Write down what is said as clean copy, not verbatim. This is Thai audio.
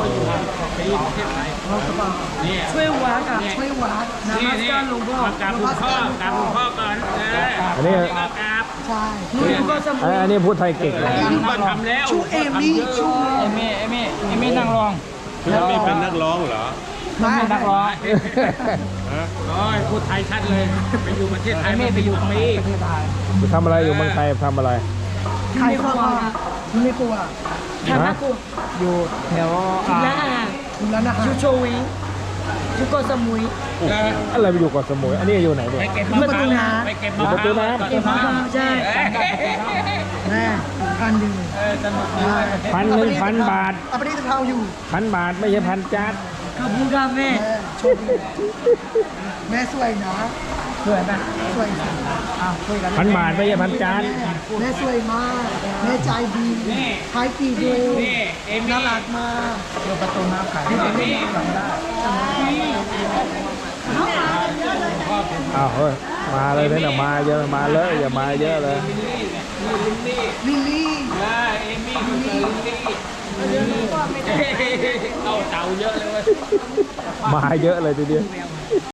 อยู่ไปอยู่ประเทศไทยนี่ช่วยวัดอ่ะช่วยวัดนะมัสการหลวงพ่อมากราบหลวงพ่อกราบหลวงพ่อก่อนอันนี้ก็กราบใช่ลูกก็สมุนอันนี้พูดไทยเก่งเลยก็ทำแล้วชูเอมี่ชูเอมี่นั่งรองพี่ไม่เป็นนักร้องเหรอไม่นักร้องโอ้ยพูดไทยชัดเลยไปอยู่ประเทศไทยไม่ไปอยู่ปีประเทศไทยทำอะไรอยู่เมืองไทยทำอะไรใครกลัวไม่กลัวฮะอยู่แถวร้านอาหารร้านอาหารชูโชวิชูโกสมุยอะไรไปอยู่เกาะสมุยอันนี้อยู่ไหนเนี่ยไปเก็บมะพร้าวไปเก็บมะพร้าวเก็บมะพร้าวใช่แม่พันหนึ่ง 1,000 บาทเอาไปที่เท้าอยู่ 1,000 บาทไม่ใช่พันจานขอบคุณครับแม่โชคดีแม่สวยนะสวยไหมสวยอ้าวคุยกัน 1,000 บาทไม่ใช่พันจานแม่สวยมากแม่ใจดีขายกี่ดูนี่เอมี่น่ารักมากเดี๋ยวประตูน้ำขายเอมี่จำได้อ้าวเฮ้ยมาเลยเนี่ยมาเยอะมาเลยอย่ามาเยอะเลยลิลลี่เอมี่คือลิลลี่เอาเต่าเยอะเลยมาเยอะเลยทีเดียว